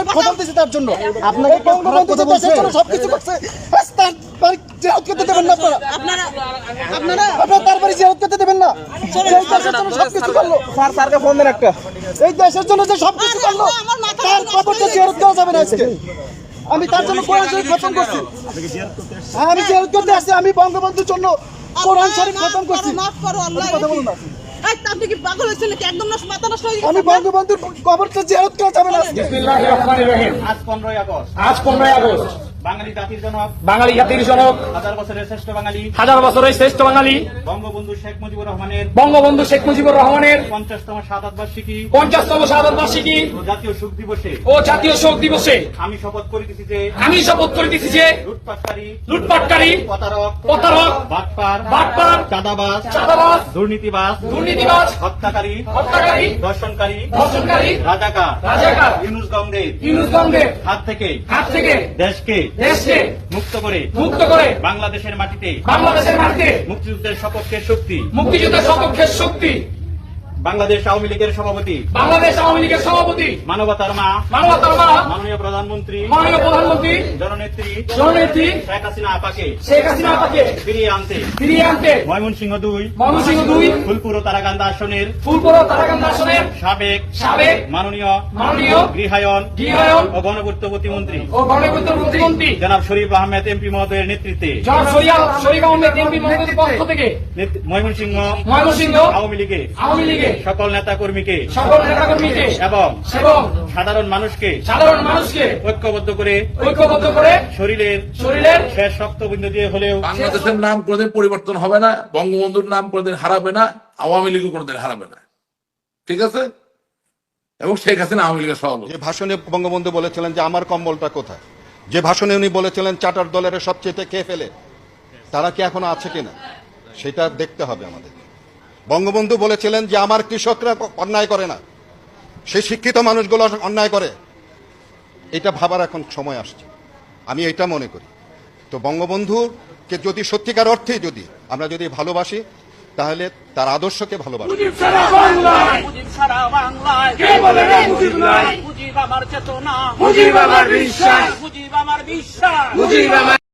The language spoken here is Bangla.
খবর দিয়েছি তার জন্য। আপনাকে বঙ্গবন্ধু দেশের জন্য সবকিছু করছে, জিয়ারত করতে দেবেন না আপনারা তারপরে জিয়ারত করতে দেবেন না। এই দেশের জন্য সবকিছু করলো, স্যারকে ফোন দেন একটা, এই দেশের জন্য যে সবকিছু করলো তার খবরটা জিয়ারত দেওয়া যাবে না আজকে। আমি তার জন্য কোরআন শরীফ খতম করছি, আমি জিয়ারত করতে আসছি, আমি বঙ্গবন্ধুর জন্য কোরআন শরীফ খতম করছি। কথা বলুন না, আমি বঙ্গবন্ধুর কবরটা জিয়ারত করা যাবে না। বিসমিল্লাহির রহমানির রহিম। আজ 15 আগস্ট বাঙালি জাতির জনক, হাজার বছরের শ্রেষ্ঠ বাঙালি বঙ্গবন্ধু শেখ মুজিবুর রহমানের 50তম শাহাদাত বার্ষিকী ও জাতীয় শোক দিবসে আমি শপথ করিতেছি যে লুটপাটকারী প্রতারক বাটপার চাঁদাবাজ দুর্নীতিবাজ হত্যাকারী ধর্ষণকারী রাজাকার ইউনূস গঙ্গের হাত থেকে দেশকে মুক্ত করে বাংলাদেশের মাটিতে মুক্তিযুদ্ধের সপক্ষের শক্তি বাংলাদেশ আওয়ামী লীগের সভাপতি মানবতার মা মাননীয় প্রধানমন্ত্রী জননেত্রী শেখ হাসিনা আপাকে ফিরিয়ে আনতে ময়মনসিংহ 2 ফুলপুর ও তারাকান্দা আসনের সাবেক মাননীয় গৃহায়ন ও গণপূর্ত প্রতিমন্ত্রী জনাব শরীফ আহমেদ এমপি মহোদয়ের নেতৃত্বে ময়মনসিংহ আওয়ামী লীগের সকল নেতা কর্মীকে এবং সাধারণ মানুষকে ঐক্যবদ্ধ করে শরীরের শেষ রক্তবিন্দু দিয়ে হলেও বাংলাদেশের নাম কোনোদিন পরিবর্তন হবে না, বঙ্গবন্ধুর নাম কোনোদিন হারাবে না, আওয়ামী লীগও কোনোদিন হারাবে না, ঠিক আছে? এবং শেখ হাসিনা আওয়ামী লীগের সভাপতি। যে ভাষণে বঙ্গবন্ধু বলেছিলেন যে আমার কম্বলটা কোথায়, যে ভাষণে উনি বলেছিলেন চার্টার দলের সবচেয়ে খেয়ে ফেলে, তারা কি এখনো আছে কিনা সেটা দেখতে হবে আমাদের। বঙ্গবন্ধু বলেছিলেন যে আমার কৃষকরা অন্যায় করে না, সেই শিক্ষিত মানুষগুলো অন্যায় করে, এটা ভাবার এখন সময় আসছে, আমি এটা মনে করি। তো বঙ্গবন্ধুকে যদি সত্যিকার অর্থে যদি আমরা যদি ভালোবাসি, তাহলে তার আদর্শকে ভালোবাসি। মুজিব আমার চেতনা, মুজিব আমার বিশ্বাস, মুজিব আমার বিশ্বাস, মুজিব আমার